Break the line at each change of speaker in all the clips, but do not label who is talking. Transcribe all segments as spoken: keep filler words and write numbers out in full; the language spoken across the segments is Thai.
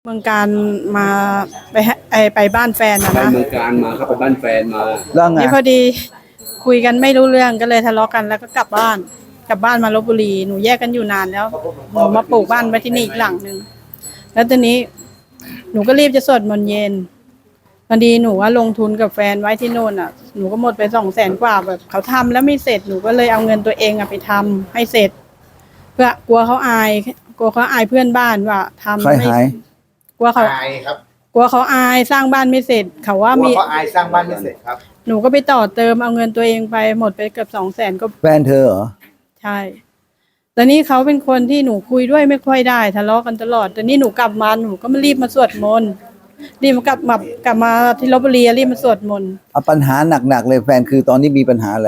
เมืองการมาไปไอไปบ้านแฟนนะ
ไป
นะ
เมืองการมาครับไปบ้านแฟนมา
แล้วไง
นี่พอดีคุยกันไม่รู้เรื่องก็เลยทะเลาะกันแล้วก็กลับบ้านกลับบ้านมาลพบุรีหนูแยกกันอยู่นานแล้วหนูมาปลูกบ้านไว้ที่นี่อีกหลังหนึ่งแล้วตอนนี้หนูก็รีบจะสวดมนต์เย็นพอดีหนูว่าลงทุนกับแฟนไว้ที่โน่นอ่ะหนูก็หมดไปสองแสนกว่าแบบเขาทำแล้วไม่เสร็จหนูก็เลยเอาเงินตัวเองอะไปทำให้เสร็จ เพื่อกลัวเขาอายกลัวเขาอายเพื่อนบ้านว่าทำ
ใคร
ไม่
หาย
กลัวเขา
อายครับ
กลัวเขาอายสร้างบ้านไม่เสร็จ เขาว่า
ว่า
มี
เขาอายสร้างบ้านไม่เสร็จครับ
หนูก็ไปต่อเติมเอาเงินตัวเองไปหมดไปเกือบสองแสนก็
แฟนเธอเหรอ
ใช่ตอนนี้เขาเป็นคนที่หนูคุยด้วยไม่ค่อยได้ทะเลาะกันตลอดตอนนี้หนูกลับมาหนูก็มารีบมาสวดมนต์รีบมากลับมากลับมาที่ลพบุรีรีบมาสวดมนต์
เอาปัญหาหนักๆเลยแฟนคือตอนนี้มีปัญหาอะไร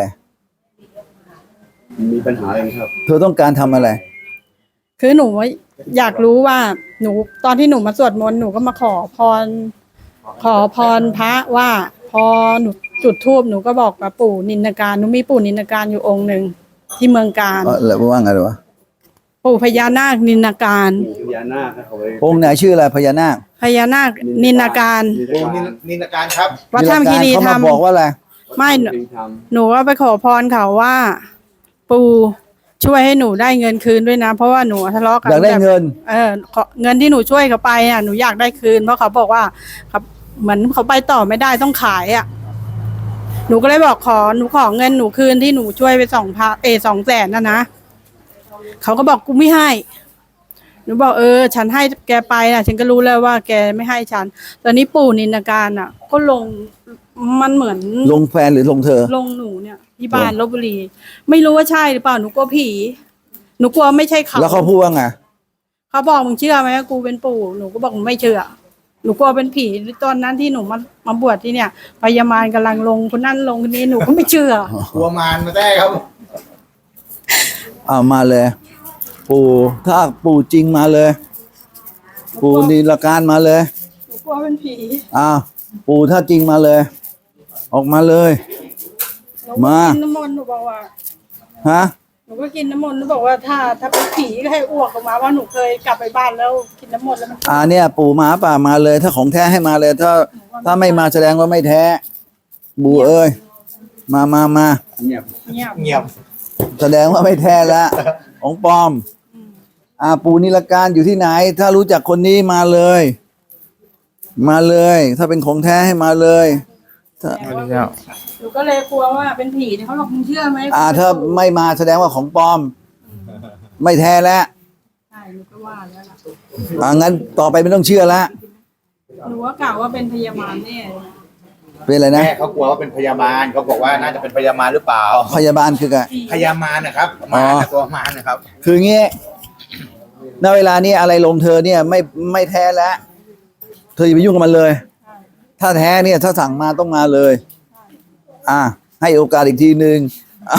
มีปัญหาอะไรไหมครับ
เธอต้องการทำอะไร
คือหนูอยากรู้ว่าหนูตอนที่หนูมาสวดมนต์หนูก็มาขอพร ขอพรพระว่าพอหนูจุดธูปหนูก็บอกกับปู่นินนาการหนูมีปู่นินนาการอยู่องค์หนึ่งที่เมืองการ
เออแล้วว่าไงวะ
ปู่พญานาคนินนาการ
พญานาคครับเขาไป
องค์ไหนชื่ออะไรพญานาค
พญานาคนินนาการ
นิ
โอ้นินนินการครับ
วัดถ้ำคีรี
เขา
ธร
มาร
ม
บอกว่าอะไร
ไม่หนู
ท
หนูก็ไปขอพรเขาว่า ปู่ช่วยให้หนูได้เงินคืนด้วยนะ เพราะว่าหนูทะเลาะกัน
อยากได้เงิน
เออขอเงินที่หนูช่วยเขาไปอ่ะหนูอยากได้คืนเพราะเขาบอกว่าครับเหมือนเขาไปต่อไม่ได้ต้องขายอ่ะ หนูก็เลยบอกขอหนูขอเงินหนูคืนที่หนูช่วยไปสองพันเอสองแสนนะนะเขาก็บอกกูไม่ให้ หนูบอกเออ ฉันให้แกไปนะฉันก็รู้แล้วว่าแกไม่ให้ฉัน ตอนนี้ปู่นินนาการอ่ะ ก็ลงมันเหมือน
ลงแฟนหรือลงเธอ
ลงหนูเนี่ยที่บ้านลพบุรี ไม่รู้ว่าใช่หรือเปล่าหนูกลัวผี หนูกลัวไม่ใช่เขา
แล้วเขาพูดว่าไง
เขาบอกมึงเชื่อไหมว่ากูเป็นปู่หนูก็บอกไม่เชื่อหนูกลัวเป็นผีตอนนั้นที่หนูมามาบวชที่เนี่ยพยามารกำลังลงคนนั้นลงคนนี้หนูก็ไม่เชื่อ
กลัวมารมาได้ครับ
เอามาเลย ปู่ถ้าปู่จริงมาเลย ปู่นิรการมาเลย
หนูกลัวเป็นผี
อ้าวปู่ถ้าจริงมาเลย ออกมาเลย
หนูก็
มา
กินน้ำมนต์หนูบอกว่า
ฮะ
หนูก็กินน้ำมนต์หนูบอกว่าถ้าถ้าเป็นผีก็ให้อ้วกออกมาว่าหนูเคยกลับไปบ้านแล้วกินน้ำมนต์แล้วมัน
อ่าเนี่ย ปู่มาป่ามาเลย ถ้าของแท้ให้มาเลย ถ้า ถ้าไม่มาแสดงว่าไม่แท้ บูเอ้ยมามามา
ำเงียบ
เงียบ
เงียบ
แสดงว่าไม่แท้ละของปลอม อ่าปู่นิรการอยู่ที่ไหน ถ้ารู้จักคนนี้มาเลย มาเลย ถ้าเป็นของแท้ให้มาเลยถ้า
หนูก็เลยกลัวว่าเป็นผีเนี่ยเขาบอกมึงเชื่อไหม
อ่าถ้าไม่มาแสดงว่าของปลอม ไม่แท้แล้ว
ใช่หนูก็ว่าแล้วล่ะ
อ่างั้นต่อไปไม่ต้องเชื่อละ
หนูว่ากล่าวว่าเป็นพยามารแน่
เป็นอะไรนะ
แม่เขากลัวว่าเป็นพยามารเขาบอกว่าน่าจะเป็นพยามารหรือเปล่า
พยาบาลคือไง
พยามารนะครับ
อ๋
มา
อ
รตัวมารนะครับ
คืองี้ณเวลานี้อะไรลงเธอเนี่ยไม่ไม่แท้แล้ว เธออย่าไปยุ่งกับมันเลย ถ้าแท้เนี่ยถ้าสั่งมาต้องมาเลย อ่า ให้โอกาสอีกทีหนึ่ง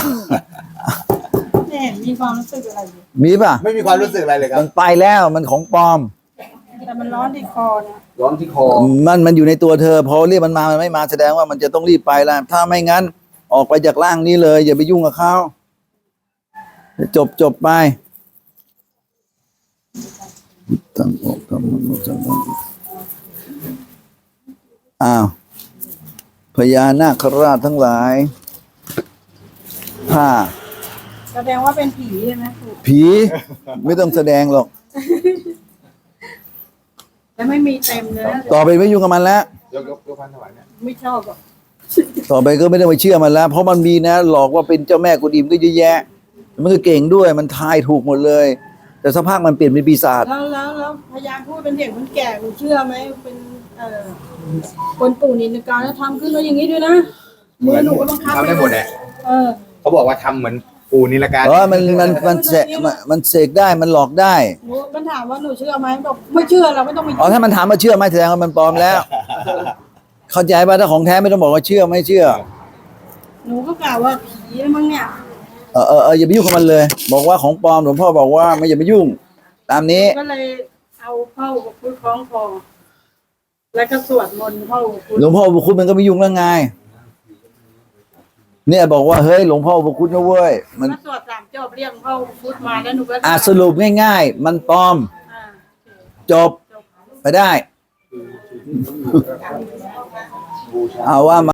ไม่เห็นมีความรู้สึกอะไรอยู่
มีป่ะ
ไม่มีความรู้สึกอะไรเลยครั
มั
บ
นไปแล้วมันของปลอม
แต่มันร้อนที่คอนะ
ร้อนที่คอ
มันมันอยู่ในตัวเธอพอเรียกมันมามันไม่มาแสดงว่ามันจะต้องรีบไปแล้วถ้าไม่งั้น ออกไปจากร่างนี้เลย อย่าไปยุ่งกับเขาจบจบไปตั้งอกตั้งมันตั้งมันอ้าวพญานาคราชทั้งหลายถ้า
แสดงว่าเป็นผีใช่ไหมครู
ผีไม่ต้องแสดงหรอก
แต่ไม่มีเต็มเลยนะ
ต่อไปไม่ยุ่งกับมันแล้ว
ยกยกยกพันถวายเนี่ย
ไม่ชอบอ่ะ
ต่อไปก็ไม่ต้องไปเชื่อมันแล้ว เพราะมันมีนะ หลอกว่าเป็นเจ้าแม่กุฎิมก็เยอะแยะ มันก็เก่งด้วยมันทายถูกหมดเลย แต่สภาพมันเปลี่ยนเป็นปีศาจ
แล้วแล้วแล้วพยานพูดเป็นเด็กคนแก่หนูเชื่อไหมเป็นเอ่อคนปู่นินในการแล้วทำขึ้นมาอย่างนี้ด้วยนะมือหนูก็ต้องคับ
ทำได้หมดแหละ
เออ
เขาบอกว่าทำเหมือนปูนิลการ
เออมันมันมันเสกมันมันเสกได้มันหลอกได้
หนูมันถามว่าหนูเชื่อไหมบอกไม่เชื่อเราไม่ต้องไป
อ๋อถ้ามันถามว่าเชื่อไหมแสดงว่ามันปลอมแล้ว เข้าใจป่ะถ้าของแท้ไม่ต้องบอกว่าเชื่อไม่เชื่อ
หนูก็กล่าวว่าผีมั้งเนี่ย
เออเออเอออย่าไปยุ่งกับมันเลย บอกว่าของปลอมหลวงพ่อบอกว่าไม่อย่าไปยุ่ง ตามนี้
ก็เลยเอาเข้ากับพุทธคล้องคอแล้วก็สวดมนต์เข้ากับพุทธ
หลวงพ่อบุคุณมันก็ไม่ยุ่งแล้วไงเนี่ยบอกว่าเฮ้ยหลวงพ่อบุคุณนะเว้ยมัน
ก็สวดสามจบเรียกเข้าพุทธมาแล้วหนูก็
อ่ะสรุปง่ายๆ มันปลอม
อ่า
จบ
จบ
ไปได้ เอาว่ามา